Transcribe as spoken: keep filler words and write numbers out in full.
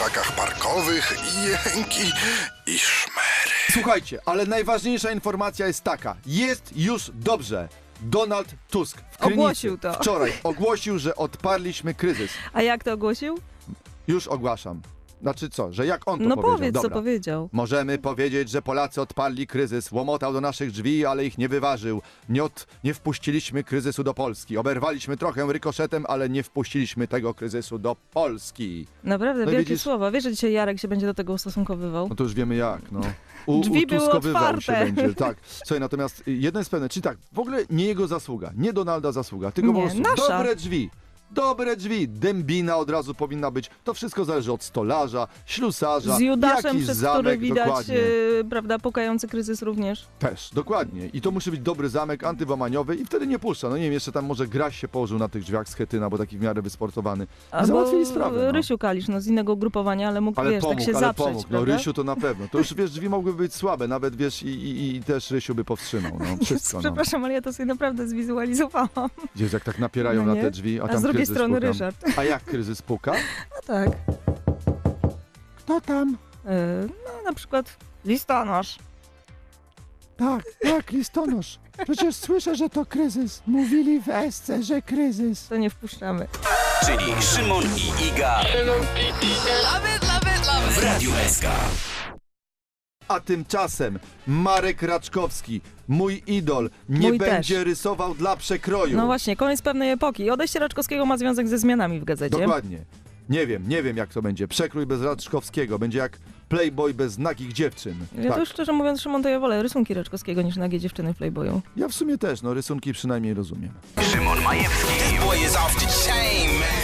krzakach parkowych i jęki i szmery. Słuchajcie, ale najważniejsza informacja jest taka. Jest już dobrze. Donald Tusk w Krynicy Ogłosił to. wczoraj ogłosił, że odparliśmy kryzys. A jak to ogłosił? Już ogłaszam. Znaczy co, że jak on to No powiedział? powiedz, co Dobra. powiedział. Możemy powiedzieć, że Polacy odparli kryzys. Łomotał do naszych drzwi, ale ich nie wyważył. Nie, od, nie wpuściliśmy kryzysu do Polski. Oberwaliśmy trochę rykoszetem, ale nie wpuściliśmy tego kryzysu do Polski. Naprawdę, No i wielkie widzisz- słowa. Wiesz, że dzisiaj Jarek się będzie do tego ustosunkowywał? No to już wiemy jak, no. U, Drzwi były utuskowywał się otwarte. będzie, tak. Słuchaj, natomiast jedno jest pewne, czyli tak, w ogóle nie jego zasługa, nie Donalda zasługa, tylko Nie, po prostu nasza. dobre drzwi. Dobre drzwi, dębina od razu powinna być. To wszystko zależy od stolarza, ślusarza, Z Judaszem, jakiś przez zamek, który widać, dokładnie. yy, prawda, pukający kryzys również. Też, dokładnie. I to musi być dobry zamek antyłamaniowy i wtedy nie puszcza. No nie wiem, jeszcze tam może Graś się położył na tych drzwiach z Chetyna, bo taki w miarę wysportowany. I załatwili sprawę. No. Rysiu Kalisz, no z innego grupowania, ale mógł, Ale wiesz, pomógł, tak się ale zaprzeć, pomógł. No prawda? Rysiu to na pewno. To już, wiesz, drzwi mogłyby być słabe, nawet, wiesz, i, i, i też Rysiu by powstrzymał. No, wszystko, no. Przepraszam, ale ja to sobie naprawdę zwizualizowałam. Gdzieś jak tak napierają No na nie? te drzwi, a A tam z drugiej kryzys strony pukam. Ryszard. A jak kryzys puka? No tak. Kto tam? Yy, no na przykład listonosz. Tak, tak, listonosz. Przecież słyszę, że to kryzys. Mówili w Esce, że kryzys. To nie wpuszczamy. Czyli Szymon i Iga w Radiu S K. A tymczasem Marek Raczkowski, mój idol, nie Mój będzie też. rysował dla przekroju. No właśnie, koniec pewnej epoki. Odejście Raczkowskiego ma związek ze zmianami w gazecie. Dokładnie. Nie wiem, nie wiem jak to będzie. Przekrój bez Raczkowskiego. Będzie jak Playboy bez nagich dziewczyn. Ja Tak. to już szczerze mówiąc, Szymon, to ja wolę rysunki Raczkowskiego niż nagie dziewczyny w Playboyu. Ja w sumie też, no rysunki przynajmniej rozumiem. Szymon Majewski. Boy is off the chain, man.